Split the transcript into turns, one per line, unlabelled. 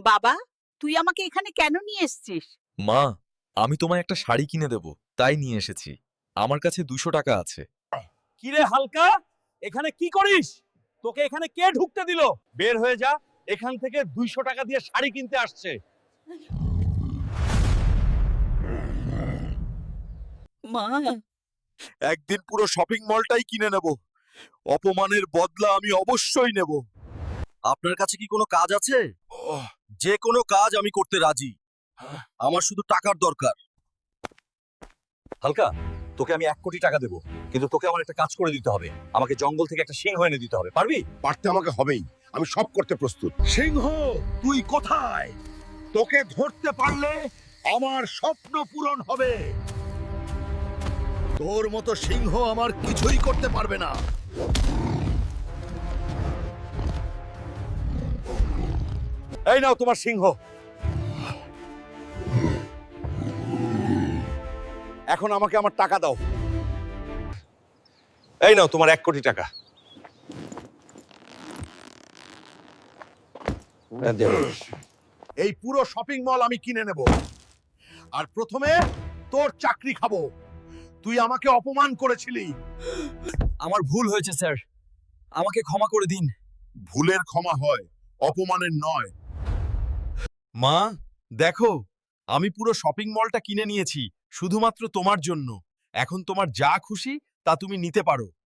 বাবা, তুই আমাকে এখানে কেন নিয়ে এসেছিস?
মা, আমি তোমায় একটা শাড়ি কিনে দেব, তাই নিয়ে এসেছি। আমার কাছে 200 টাকা আছে।
কিরে হালকা, এখানে কি করিস? তোকে এখানে কে ঢুকতে দিল? বের হয়ে যা, এখান থেকে 200 টাকা দিয়ে শাড়ি কিনতে আসছে।
মা,
একদিন পুরো শপিং মলটাই কিনে নেব। অপমানের বদলা আমি অবশ্যই নেব। আপনার কাছে কি কোনো কাজ আছে? যে কোনো কাজ আমি করতে রাজি। আমার শুধু টাকার দরকার।
হালকা, তোকে আমি 1 কোটি টাকা দেবো, কিন্তু তোকে আমার একটা কাজ করে দিতে হবে। আমাকে জঙ্গল থেকে একটা সিংহ এনে দিতে হবে, পারবি?
পারতে আমাকে হবেই, আমি সব করতে প্রস্তুত। সিংহ, তুই কোথায়? তোকে ধরতে পারলে আমার স্বপ্ন পূরণ হবে। তোর মতো সিংহ আমার কিছুই করতে পারবে না।
এই নাও তোমার সিংহ। এখন আমাকে আমার টাকা দাও। এই নাও তোমার 1 কোটি টাকা।
এই পুরো শপিং মল আমি কিনে নেব, আর প্রথমে তোর চাকরি খাবো। তুই আমাকে অপমান করেছিলি।
আমার ভুল হয়েছে স্যার, আমাকে ক্ষমা করে দিন।
ভুলের ক্ষমা হয়, অপমানের নয়।
মা, দেখো, আমি পুরো শপিং মলটা কিনে নিয়েছি শুধুমাত্র তোমার জন্য। এখন তোমার যা খুশি তা তুমি নিতে পারো।